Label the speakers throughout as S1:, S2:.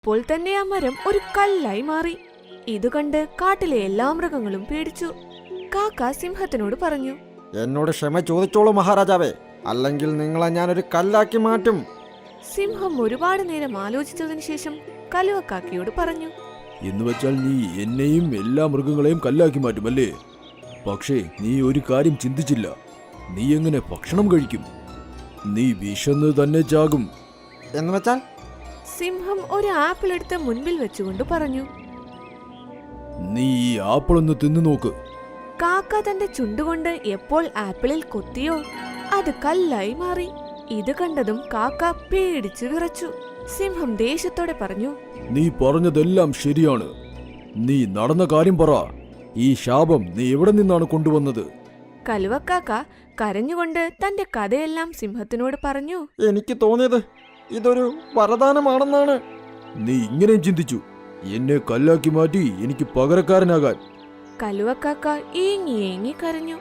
S1: അപ്പോൾ തന്നെ ആ മരം ഒരു കല്ലായി മാറി. ഇത് കണ്ട് കാട്ടിലെ എല്ലാ മൃഗങ്ങളും പേടിച്ചു. കാക്ക സിംഹത്തിനോട് പറഞ്ഞു,
S2: എന്നോട് ക്ഷമ ചോദിച്ചോളൂ മഹാരാജാവേ, അല്ലെങ്കിൽ നിങ്ങളെ ഞാനൊരു കല്ലാക്കി മാറ്റും.
S1: സിംഹം ഒരുപാട് നേരം ആലോചിച്ചതിനു ശേഷം കലുവക്കാക്കയോട് പറഞ്ഞു,
S3: എന്ന് വെച്ചാൽ നീ എന്നെയും എല്ലാ മൃഗങ്ങളെയും കല്ലാക്കി മാറ്റുമല്ലേ? പക്ഷേ നീ ഒരു കാര്യം ചിന്തിച്ചില്ല. നീ എങ്ങനെ ഭക്ഷണം കഴിക്കും? നീ വിശന്ന് തന്നെ ചാകും.
S2: എന്ന് വെച്ചാൽ?
S1: സിംഹം ഒരു ആപ്പിൾ എടുത്ത് മുൻപിൽ വെച്ചുകൊണ്ട് പറഞ്ഞു.
S3: നീ ഈ ആപ്പിൾ ഒന്ന് തിന്നു നോക്ക്.
S1: കാക്ക തന്റെ ചുണ്ടുകൊണ്ട് എപ്പോൾ ആപ്പിളിൽ കൊത്തിയോ അത് കല്ലായി മാറി. ഇത് കണ്ടതും കാക്ക പേടിച്ചു വിറച്ചു. സിംഹം ദേഷ്യത്തോടെ പറഞ്ഞു,
S3: നീ പറഞ്ഞതെല്ലാം ശരിയാണ്. നീ നടന്ന കാര്യം പറ. ഈ ശാപം നീ എവിടെ നിന്നാണ് കൊണ്ടുവന്നത്?
S1: കലുവക്കാക്ക കരഞ്ഞുകൊണ്ട് തന്റെ കഥയെല്ലാം സിംഹത്തിനോട് പറഞ്ഞു.
S2: എനിക്ക് തോന്നിയത് ഇതൊരു വരദാനമാണെന്നാണ്.
S3: നീ ഇങ്ങനെയും ചിന്തിച്ചു എന്നെ കല്ലാക്കി മാറ്റി എനിക്ക് പകരക്കാരനാകാൻ?
S1: കലുവക്കാക്ക ഏങ്ങി ഏങ്ങി കരഞ്ഞു.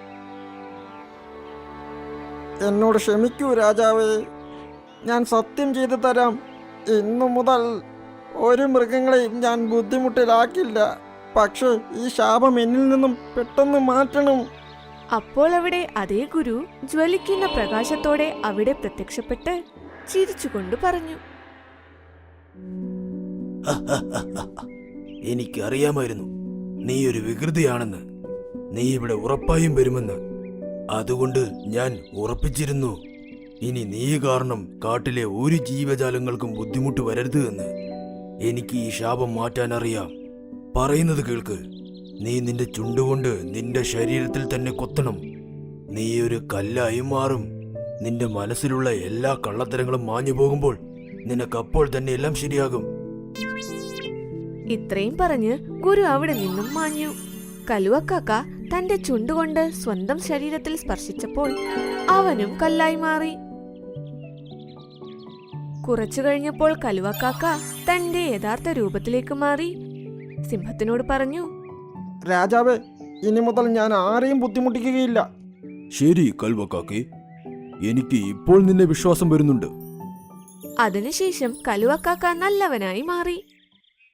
S2: എന്നോട് ക്ഷമിക്കൂ രാജാവേ, ഞാൻ സത്യം ചെയ്തു തരാം. ഇന്നു മുതൽ ഒരു മൃഗങ്ങളെയും ഞാൻ ബുദ്ധിമുട്ടിലാക്കില്ല. പക്ഷേ ഈ ശാപം എന്നിൽ നിന്നും പെട്ടെന്ന് മാറ്റണം.
S1: അപ്പോൾ അവിടെ അതേ ഗുരു ജ്വലിക്കുന്ന പ്രകാശത്തോടെ അവിടെ പ്രത്യക്ഷപ്പെട്ട് ചിരിച്ചുകൊണ്ട് പറഞ്ഞു,
S3: എനിക്കറിയാമായിരുന്നു നീ ഒരു വികൃതിയാണെന്ന്. നീ ഇവിടെ ഉറപ്പായും വരുമെന്ന്. അതുകൊണ്ട് ഞാൻ ഉറപ്പിച്ചിരുന്നു, ഇനി നീ കാരണം കാട്ടിലെ ഒരു ജീവജാലങ്ങൾക്കും ബുദ്ധിമുട്ട് വരരുത് എന്ന്. എനിക്ക് ഈ ശാപം മാറ്റാൻ അറിയാം. പറയുന്നത് കേൾക്ക്. നീ നിന്റെ ചുണ്ടുകൊണ്ട് നിന്റെ ശരീരത്തിൽ തന്നെ കൊത്തണം. നീ ഒരു കല്ലായി മാറും. നിന്റെ മനസ്സിലുള്ള എല്ലാ കള്ളത്തരങ്ങളും മാഞ്ഞു പോകുമ്പോൾ നിനക്കപ്പോൾ തന്നെ എല്ലാം ശരിയാകും.
S1: ഇത്രയും പറഞ്ഞ് ഗുരു അവിടെ നിന്നും മാഞ്ഞു. കലുവക്കാക്ക തന്റെ ചുണ്ടുകൊണ്ട് സ്വന്തം ശരീരത്തിൽ സ്പർശിച്ചപ്പോൾ അവനും കല്ലായി മാറി. കുറച്ചു കഴിഞ്ഞപ്പോൾ കലുവക്കാക്ക തന്റെ യഥാർത്ഥ രൂപത്തിലേക്ക് മാറി സിംഹത്തിനോട് പറഞ്ഞു,
S2: രാജാവേ, ഇനി മുതൽ ഞാൻ ആരെയും ബുദ്ധിമുട്ടിക്കുകയില്ല.
S3: ശരി കൽവക്കാക്കെ, എനിക്ക് ഇപ്പോൾ നിന്നെ വിശ്വാസം വരുന്നുണ്ട്.
S1: അതിനുശേഷം കലുവക്കാക്ക നല്ലവനായി മാറി.